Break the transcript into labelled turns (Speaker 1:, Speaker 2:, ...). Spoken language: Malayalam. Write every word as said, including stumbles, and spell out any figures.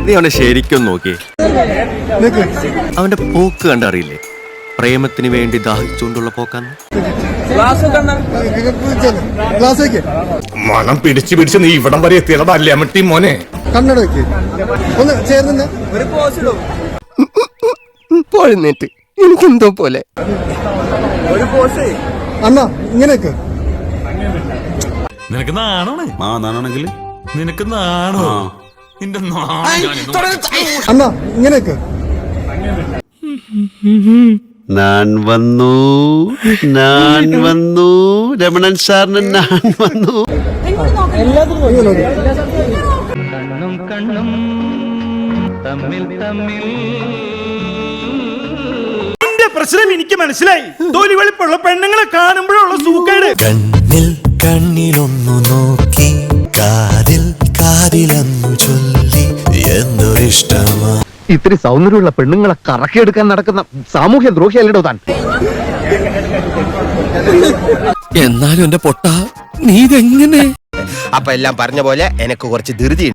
Speaker 1: നീ അവനെ ശരിക്കും നോക്കി. അവന്റെ പോക്ക് കണ്ടറിയില്ലേ? പ്രേമത്തിന് വേണ്ടി ദാഹിച്ചുകൊണ്ടുള്ള പോക്കാന്ന്.
Speaker 2: മണം പിടിച്ചു പിടിച്ച് നീ ഇവിടം വരെ എത്തിയതല്ലേ അമ്മട്ടി മോനെ.
Speaker 3: കണ്ണട വെക്ക് ഒന്ന് ചേർന്ന്
Speaker 1: പോഴുന്നേറ്റ് എനിക്കെന്തോ പോലെ.
Speaker 3: അണ്ണ ഇങ്ങനെയൊക്കെ
Speaker 4: നിനക്ക് നാണോണ്.
Speaker 5: ആ നാണെങ്കിൽ
Speaker 4: നിനക്ക് നാണോ? നിന്റെ
Speaker 3: അണ്ണ ഇങ്ങനെയൊക്കെ
Speaker 5: ഞാൻ വന്നു ഞാൻ വന്നു രമണൻ സാറിന് ഞാൻ വന്നു.
Speaker 6: എന്റെ പ്രശ്നം എനിക്ക് മനസ്സിലായി. തൊലി വെളുപ്പുള്ള പെണ്ണുങ്ങളെ കാണുമ്പോഴുള്ള സൂക്കേട്.
Speaker 7: കണ്ണിൽ കണ്ണിലൊന്നു നോക്കി കാതിൽ കാതിലെന്നു ചൊല്ലി എന്തൊരിഷ്ടമാ.
Speaker 1: ഇത്തിരി സൗന്ദര്യമുള്ള പെണ്ണുങ്ങളെ കറക്കിയെടുക്കാൻ നടക്കുന്ന സാമൂഹ്യ ദ്രോഹിയല്ലോ താൻ. എന്നാലും എന്റെ പൊട്ട നീ ഇതെങ്ങനെ?
Speaker 8: അപ്പൊ എല്ലാം പറഞ്ഞ പോലെ എനക്ക് കുറച്ച് ധൃതി.